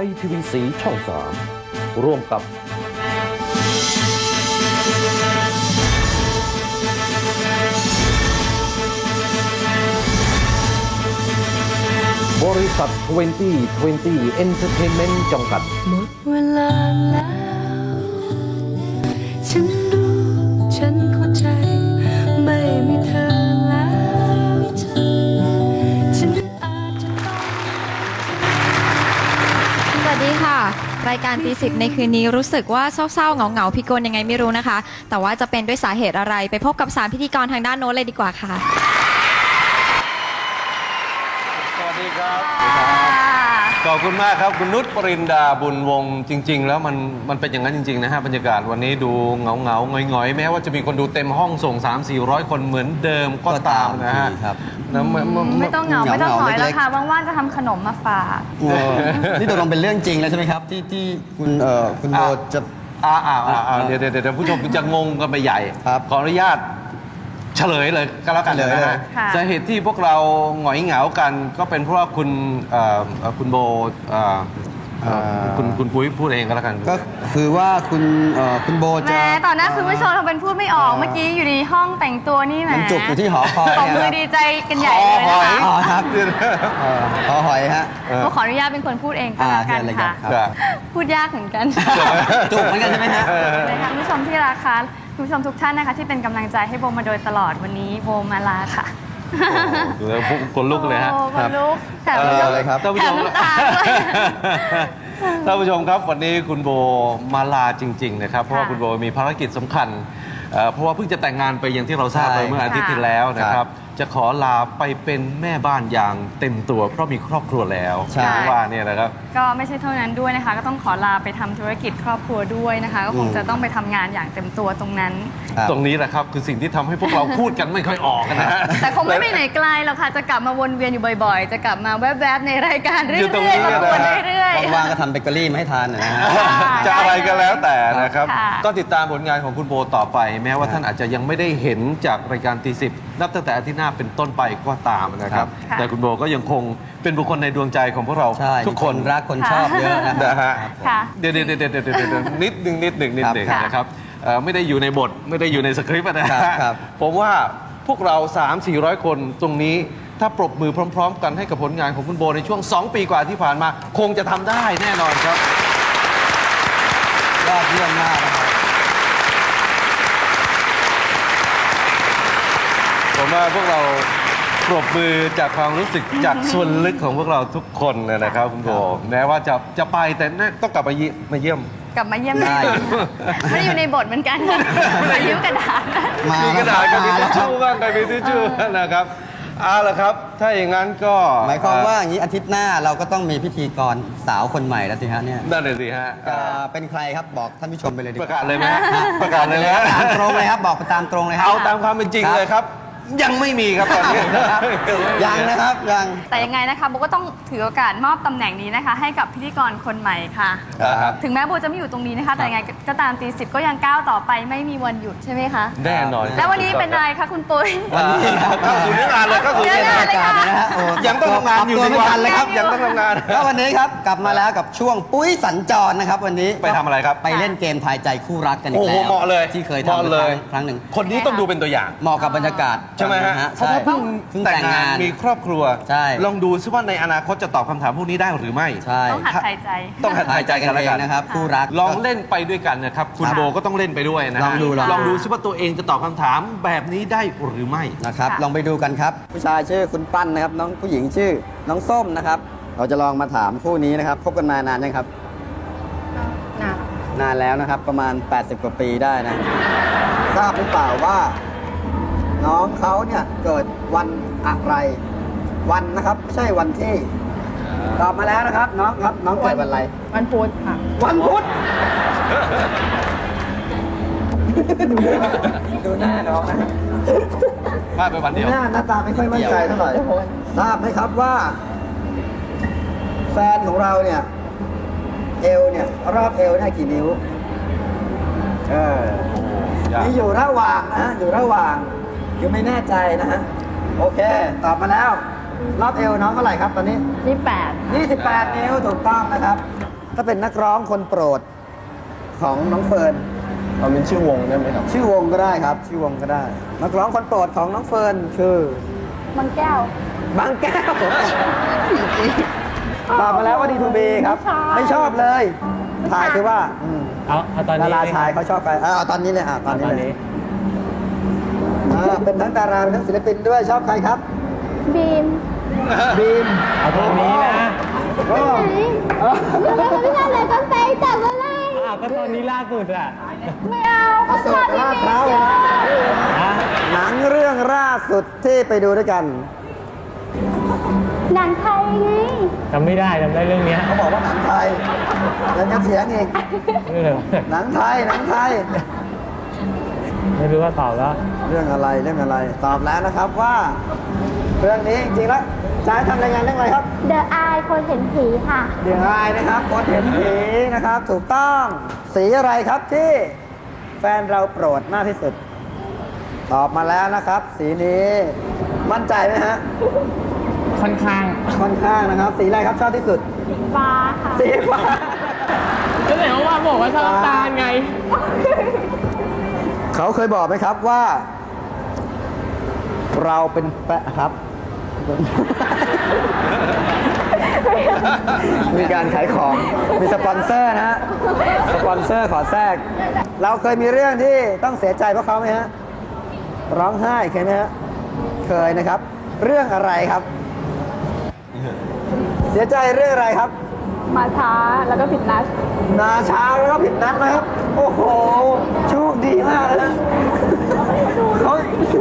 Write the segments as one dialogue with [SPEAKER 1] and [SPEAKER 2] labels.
[SPEAKER 1] ย PBS ช่อง 3 ร่วมกับบริษัท 2020 Entertainment จำกัด
[SPEAKER 2] หมดเวลาแล้ว ฉันรู้ ฉันเข้าใจ ไม่มีเธอแล้วฉันอาจจะต้อง
[SPEAKER 3] สวัสดีค่ะ รายการตีสิบในคืนนี้รู้สึกว่าเศร้าๆเหงาๆพิกลยังไงไม่รู้นะคะ แต่ว่าจะเป็นด้วยสาเหตุอะไรไปพบกับ3พิธีกรทางด้านโน้นเลยดีกว่าค่ะ
[SPEAKER 4] สวัสดีครับขอบคุณมากครับคุณนุชปรินดาบุญวงศ์จริง ๆ แล้วมันเป็นอย่างนั้นจริงๆนะฮะบรรยากาศวันนี้ดูเงาหงอยๆแม้ว่าจะมีคนดูเต็มห้องส่ง 300-400 คนเหมือนเดิมก็ตามนะฮะ
[SPEAKER 5] ครับ
[SPEAKER 6] ไม่ต้องเหงาไม่ต้องหงอยแล้วค่ะว่างๆจะทำขนมมาฝาก
[SPEAKER 5] นี่ตกลงเป็นเรื่องจริงแล้วใช่ไหมครับ ที่คุณโบจะ
[SPEAKER 4] เดี๋ยวผู้ชมจะงงกันไปใหญ่
[SPEAKER 5] ครับ
[SPEAKER 4] ขออนุญาตเฉลยเลยก็แล้วกัน
[SPEAKER 5] เฉลย
[SPEAKER 4] นะ
[SPEAKER 5] เลย
[SPEAKER 4] ฮะ
[SPEAKER 6] ค่ะ
[SPEAKER 4] สาเหตุที่พวกเราหงอยเหงากันก็เป็นเพราะว่าคุณโบคุณปุ้ยพูดเองก็แล้วกัน
[SPEAKER 5] ก็คือว่าคุณโบ
[SPEAKER 6] แหม
[SPEAKER 5] จะ
[SPEAKER 6] ต่อหน้าคุณผู้ชมทำเป็นพูดไม่ออกเมื่อกี้อยู่ในห้องแต่งตัวนี่แหม
[SPEAKER 5] มันจุกอยู่ที่หอคอย
[SPEAKER 6] ตบมือดีใจกันใหญ่เลยนะคะ
[SPEAKER 5] อ๋อครับหอหอยฮะ
[SPEAKER 6] ก็ขออนุญาตเป็นคนพูดเองก็แล้วกัน
[SPEAKER 5] เชิญเลย
[SPEAKER 6] ค่ะ
[SPEAKER 5] ครับ
[SPEAKER 6] พูดยากเหมือนกัน
[SPEAKER 5] จุกเหมือนกันใช่ไหมฮะ
[SPEAKER 6] เลยค่ะคุณผู้ชมที่รักค่ะคุณผู้ชมทุกท่านนะคะที่เป็นกำลังใจให้โบมาโดยตลอดวันนี้โบมาลาค่ะ
[SPEAKER 4] ดูแล้วคนลุกเลยฮะ
[SPEAKER 6] โอ้คนลุกแถม
[SPEAKER 5] เลยครับ
[SPEAKER 4] ท่านผู้
[SPEAKER 6] แถ
[SPEAKER 4] ช
[SPEAKER 6] ม
[SPEAKER 4] ม
[SPEAKER 6] น้ำตาด้วย
[SPEAKER 4] ท่านผู้ชมครับวันนี้คุณโบมาลาจริง ๆ นะครับ เพราะว่าคุณโบมีภารกิจสำคัญเพราะว่าเพิ่งจะแต่งงานไปอย่างที่เราทราบไป
[SPEAKER 5] ใช่
[SPEAKER 4] เมื่ออาทิตย์ที่แล้วนะครับ จะขอลาไปเป็นแม่บ้านอย่างเต็มตัว เพราะมีครอบครัวแล้ว
[SPEAKER 5] ใช่
[SPEAKER 4] ว่าเนี่ยนะครับ
[SPEAKER 6] ก็ไม่ใช่เท่านั้นด้วยนะคะ ก็ต้องขอลาไปทำธุรกิจครอบครัวด้วยนะคะ ก็คงจะต้องไปทำงานอย่างเต็มตัวตรงนั้น
[SPEAKER 5] ครับ
[SPEAKER 4] ตรงนี้แหละครับคือสิ่งที่ทำให้พวกเราพูดกันไม่ค่อยออกนะฮะ
[SPEAKER 6] แต่คงไม่ไปไหนไกลหรอกค่ะ จะกลับมาวนเวียนอยู่บ่อยๆ จะกลับมาแวบๆในรายการเรื่
[SPEAKER 4] อยู่ตรงนี้
[SPEAKER 6] อยๆ มาวน
[SPEAKER 4] นะฮะ
[SPEAKER 6] เรื่อยๆ
[SPEAKER 5] ว่างๆก็ทำเบเกอรี่มาให้ทานหน่อยนะฮะ
[SPEAKER 4] จะอะไรก็แล้วแต่นะครับ
[SPEAKER 6] ค่ะ
[SPEAKER 4] ก็ติดตามผลงานของคุณโบต่อไป แม้ว่าท่านอาจจะยังไม่ได้เห็นจากรายการตีสิบนับตั้งแต่อาทิตย์หน้าเป็นต้นไปก็ตามนะครับ
[SPEAKER 6] ค่ะ
[SPEAKER 4] แต่คุณโบก็ยังคงเป็นบุคคลในดวงใจของพวกเรา
[SPEAKER 5] ใช่
[SPEAKER 4] ทุกคน
[SPEAKER 5] รักคนชอบเยอะนะ
[SPEAKER 4] นะฮะ
[SPEAKER 6] ค่ะ
[SPEAKER 4] เดี๋ยวนิดหนึ่ง
[SPEAKER 5] ครับ
[SPEAKER 4] นะครับไม่ได้อยู่ในบทไม่ได้อยู่ในสคริปต์นะฮะ
[SPEAKER 5] ครับ
[SPEAKER 4] ผมว่าพวกเรา 300-400 คนตรงนี้ถ้าปรบมือพร้อม ๆ กันให้กับผลงานของคุณโบในช่วง 2 ปีกว่าที่ผ่านมา คงจะทำได้แน่นอนครับ
[SPEAKER 5] ยอดเยี่ยมมากนะครับ
[SPEAKER 4] ผมว่าพวกเราปรบมือจากความรู้สึกจากส่วนลึกของพวกเราทุกคนเลยนะครับคุณโบแม้ว่าจะไปแต่ต้องกลับมาเยี่ยม
[SPEAKER 6] กลับมาเยี่ยมแน่นอนค่ะไม่ได้อยู่ในบทเหมือนกันมายิ้มกระดาษ
[SPEAKER 5] มา
[SPEAKER 4] มีกระดาษกับมี
[SPEAKER 5] แล้ว
[SPEAKER 4] ทิชชู่บ้างกับมีทิชชู่นะครับเอาละครับ ถ้าอย่างนั้นก็
[SPEAKER 5] หมายความว่าอย่างนี้อาทิตย์หน้าเราก็ต้องมีพิธีกรสาวคนใหม่แล้วสิฮะเนี่ย
[SPEAKER 4] นั่นเลยสิฮะ
[SPEAKER 5] เป็นใครครับบอกท่านผู้ชมไปเลยดี
[SPEAKER 4] ป
[SPEAKER 5] ก
[SPEAKER 4] ระ
[SPEAKER 5] ว่า
[SPEAKER 4] กาศเลยไหมฮะประกาศเลยไหมฮะ
[SPEAKER 5] ตามตรงเลยครับบอกไปตามตรงเลยครับ
[SPEAKER 4] เอาตามความเป็นจริงเลยครับ ยังไม่มีครับตอนนี้
[SPEAKER 5] ยังนะครับยัง
[SPEAKER 6] แต่ยังไงนะคะโบก็ต้องถือโอกาสมอบตำแหน่งนี้นะคะ ให้กับพิธีกรคนใหม่ค่ะ
[SPEAKER 4] ครับ
[SPEAKER 6] ถึงแม้โบจะไม่อยู่ตรงนี้นะคะ แต่ยังไงก็ตามตีสิบก็ยังก้าวต่อไปไม่มีวันหยุดใช่ไหมคะ
[SPEAKER 4] แน่นอน
[SPEAKER 6] แล้ววันนี้เป็นอะไรคะคุณปุ้ย
[SPEAKER 4] วันนี้เข้าสู่เนื้องานเลยเข้าสู่เนื้องาน
[SPEAKER 6] เลยค่ะ
[SPEAKER 5] นะฮะโอ้
[SPEAKER 4] ยังต้องทำงานอยู่
[SPEAKER 5] ปรับตัว
[SPEAKER 4] ใน
[SPEAKER 5] ไม่
[SPEAKER 4] วั
[SPEAKER 5] ทั
[SPEAKER 4] น
[SPEAKER 5] นเลยครับ
[SPEAKER 4] ยังต้องทำงาน
[SPEAKER 5] แล้ววันนี้ครับกลับมาแล้วกับช่วงปุ้ยสัญจรนะครับวันนี้
[SPEAKER 4] ไปทำอะไรครับ
[SPEAKER 5] ไปเล่นเกมทายใจคู่รักกันอี
[SPEAKER 4] โอ้
[SPEAKER 5] ก
[SPEAKER 4] โห
[SPEAKER 5] แล้ว
[SPEAKER 4] เหมาะเลย
[SPEAKER 5] ที่เคย
[SPEAKER 4] เหมาะ
[SPEAKER 5] ทำ
[SPEAKER 4] เลย
[SPEAKER 5] ครั้งหนึ่ง
[SPEAKER 4] คนนี้ต้องดูเป็นตัวอย่าง
[SPEAKER 5] เหมาะกับบรรยากาศ
[SPEAKER 4] ใช่ไหมฮะ
[SPEAKER 5] ใช่
[SPEAKER 4] เพราะว่าเพิ่งแต่งงานมีครอบครัว
[SPEAKER 5] ใช่
[SPEAKER 4] ลองดูซิว่าในอนาคตจะตอบคำถามพวกนี้ได้หรือไม่
[SPEAKER 5] ใช่
[SPEAKER 6] ต้องหัดหายใจ
[SPEAKER 4] ต้องหัดหายใจกันแล้วกัน
[SPEAKER 5] นะครับคู่รัก
[SPEAKER 4] ลองเล่นไปด้วยกันนะครับ คุณโบก็ต้องเล่นไปด้วยนะฮะ
[SPEAKER 5] ลองดู
[SPEAKER 4] ลองดูซิว่าตัวเองจะตอบคำถามแบบนี้ได้หรือไม่
[SPEAKER 5] นะครับ
[SPEAKER 6] ค่ะ
[SPEAKER 5] ลองไปดูกันครับ ผู้ชายชื่อคุณปั้นนะครับ น้องผู้หญิงชื่อน้องส้มนะครับ เราจะลองมาถามคู่นี้นะครับคบกันมานานยังครับ นานแล้วนะครับ ประมาณ 80 กว่าปีได้นะ ทราบหรือเปล่าว่า น้องเขาเนี่ยเกิดวันอะไร วันนะครับไม่ใช่วันที่ ตอบมาแล้วนะครับ น้องครับน้องเกิดวันอะไร
[SPEAKER 6] วันพุธค่ะ
[SPEAKER 5] วันพุธ ดูหน้าน้องนะ
[SPEAKER 4] พลาดไปวันเดียว
[SPEAKER 5] หน้าตาไม่ค่อยมั่นใจเท่าไหร่ทราบไหมครับว่า แฟนของเราเนี่ย เอวเนี่ย รอบเอวได้กี่นิ้ว มีอยู่ระหว่างนะอยู่ระหว่างอยู่ไม่แน่ใจนะฮะ โอเค ตอบมาแล้ว รอบเอวน้องเท่าไหร่ครับตอนนี้
[SPEAKER 6] นี่8
[SPEAKER 5] 28 นิ้วถูกต้องนะครับถ้าเป็นนักร้องคนโปรดของน้องเฟิร์น
[SPEAKER 1] เอาเป็นชื่อวงได้ไหมครับ
[SPEAKER 5] ชื่อวงก็ได้ครับ ชื่อวงก็ได้ นักร้องคนโปรดของน้องเฟิร์นคือ
[SPEAKER 6] มันแก้ว
[SPEAKER 5] บางแก้วตอบมาแล้วว่าดีทูบีครับ ไม่ชอบเลยถ่ายคือว่า
[SPEAKER 7] เอาตอน
[SPEAKER 5] ดา
[SPEAKER 7] นี้
[SPEAKER 5] ราชายเขาชอบใครเอาตอนนี้เลยตอนนี้เลยเป็นทั้งดาราเป็นทั้งศิลปินด้วยชอบใครครับ
[SPEAKER 2] บีม
[SPEAKER 5] บีม
[SPEAKER 7] เอาตอนนี้นะ
[SPEAKER 5] โอ้
[SPEAKER 2] แล้วก็ไม่ทำอะไรก็ไปแต่เมื่อไร
[SPEAKER 7] ก็ตอนนี้ล่าสุดอ่ะ
[SPEAKER 2] ไม่เอา
[SPEAKER 5] อโศกลาดพร้าวเลยนะ
[SPEAKER 7] อ่ะ
[SPEAKER 5] หนังเรื่องล่าสุดที่ไปดูด้วยกัน
[SPEAKER 2] หนังไทยไง
[SPEAKER 7] จำไม่ได้จำได้เรื่องเนี้ย
[SPEAKER 5] เขาบอกว่าหนังไทยยังจะเสียงอีก
[SPEAKER 7] เออ
[SPEAKER 5] หนังไทยหนังไทย
[SPEAKER 7] ไม่รู้ว่าตอบแล้ว
[SPEAKER 5] เรื่องอะไรตอบแล้วนะครับว่า เรื่องนี้จริงๆแล้วจะให้ทำรายงานเรื่องอะไรครับ
[SPEAKER 2] เดอะอายคนเห็นผีค่ะ
[SPEAKER 5] เดี๋ยวอายนะครับคนเห็นผีนะครับ ถูกต้องสีอะไรครับที่แฟนเราโปรดมากที่สุด ตอบมาแล้วนะครับ สีนี้มั่นใจไหมฮะ
[SPEAKER 7] ค่อนข้าง
[SPEAKER 5] ค่อนข้างนะครับ สีอะไรครับชอบที่สุด
[SPEAKER 2] ฟ้าค่ะ
[SPEAKER 5] สีฟ้า
[SPEAKER 7] ก็ไหนว่าบอกว่าชอบตาลไง
[SPEAKER 5] เขาเคยบอกไหมครับว่า เราเป็นแฟนครับ มีการขายของ มีสปอนเซอร์นะฮะ สปอนเซอร์ขอแทรก เราเคยมีเรื่องที่ต้องเสียใจเพราะเขาไหมฮะ ร้องไห้เคยไหมฮะ เคยนะครับ เรื่องอะไรครับ เสียใจเรื่องอะไรครับ
[SPEAKER 6] มาช้าแล้วก็ผิดนัด
[SPEAKER 5] นาช้าแล้วก็ผิดนัดนะครับ โอ้โห โชคดีมากนะเขา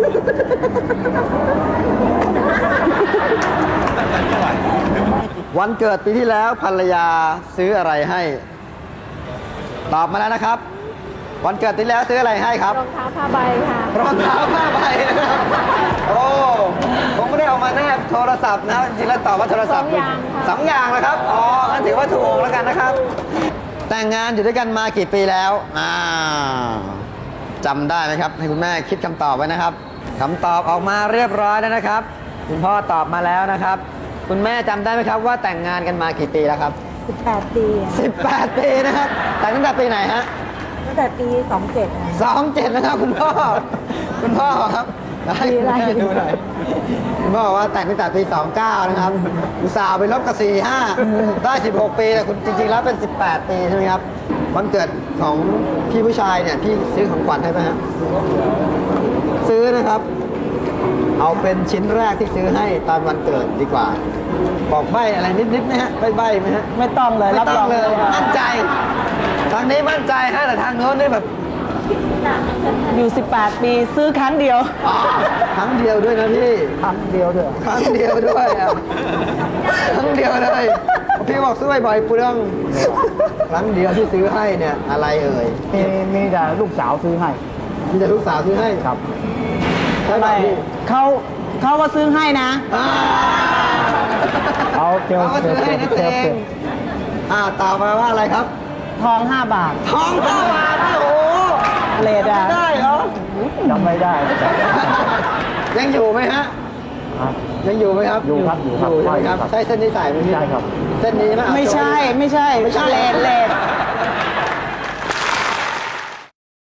[SPEAKER 5] วันเกิดปีที่แล้วภรรยาซื้ออะไรให้ ตอบมาแล้วนะครับ วันเกิดปีที่แล้วซื้ออะไรให้ครับ
[SPEAKER 6] รองเท้าผ้าใบค่ะ
[SPEAKER 5] รองเท้าผ้าใบนะครับโอ้ผมไม่ได้เอามาแนบโทรศัพท์นะ จริงๆแล้วตอบว่าโทรศัพท์
[SPEAKER 6] 2 อย่างค่ะ
[SPEAKER 5] 2 อย่างนะครับ อ๋องั้นถือว่าถูกแล้วกันนะครับ แต่งงานอยู่ด้วยกันมากี่ปีแล้วจำได้ไหมครับ ให้คุณแม่คิดคำตอบไว้นะครับคำตอบออกมาเรียบร้อยแล้วนะครับ คุณพ่อตอบมาแล้วนะครับ คุณแม่จำได้ไหมครับว่าแต่งงานกันมากี่ปีแล้วครับ
[SPEAKER 8] 18 ปี
[SPEAKER 5] 18 ปีนะครับ แต่งตั้งแต่ปีไหนฮะ
[SPEAKER 8] ตั้งแต่ปี 27
[SPEAKER 5] 27นะครับคุณพ่อ คุณพ่อครับให้คุณแม่ดูหน่อยคุณพ่อบอกว่าแต่งตั้งแต่ปี 29 นะครับอุตส่าห์ไปลบกับ 45 ได้ 16 ปีแต่คุณจริงๆแล้วเป็น 18 ปีใช่ไหมครับวันเกิดของพี่ผู้ชายเนี่ยพี่ซื้อของขวัญให้ไหมฮะซื้อนะครับ เอาเป็นชิ้นแรกที่ซื้อให้ตอนวันเกิดดีกว่า บอกใบอะไรนิดๆนะฮะใบไหมฮะ
[SPEAKER 8] ไม่ต้องเลย
[SPEAKER 5] ไม่ต้องเลยมั่นใจ ทางนี้มั่นใจฮะแต่ทางโน้นนี่แบบ
[SPEAKER 8] อยู่ 18 ปีซื้อครั้งเดียว
[SPEAKER 5] ครั้งเดียวด้วยนะพี่
[SPEAKER 8] ครั้งเดียวเถอะ
[SPEAKER 5] ครั้งเดียวด้วยอ่ะครั้งเดียวเลยพี่บอกซื้อบ่อยๆเปลืองครั้งเดียวที่ซื้อให้เนี่ยอะไรเอ่ย
[SPEAKER 8] มีแต่ลูกสาวซื้อให้
[SPEAKER 5] มีแต่ลูกสาวซื้อให้ครับใช่ไหมพี่
[SPEAKER 8] เขาว่าซื้อให้นะ
[SPEAKER 5] อ่า
[SPEAKER 8] เอาเกลียว
[SPEAKER 5] เขาก็ซื้อให้นั่นเองตอบมาว่าอะไรครับ
[SPEAKER 8] ทอง 5 บาท
[SPEAKER 5] ทอง5 บาทนี่โอ้โห
[SPEAKER 8] เลดอ่ะ
[SPEAKER 5] ได้เหรอ
[SPEAKER 8] จำไม่ได้
[SPEAKER 5] ยังอยู่ไหมฮะ ยังอยู่ไหมครับ
[SPEAKER 8] อยู่ครับอยู่ครับ
[SPEAKER 5] ใช่ไหมครับ ใช่เส้นนี้สายไหมพี่
[SPEAKER 8] ใช่ครับ
[SPEAKER 5] เส้นนี้ไหม
[SPEAKER 8] ไม่ใช่
[SPEAKER 5] ไม่ใช่
[SPEAKER 8] เลด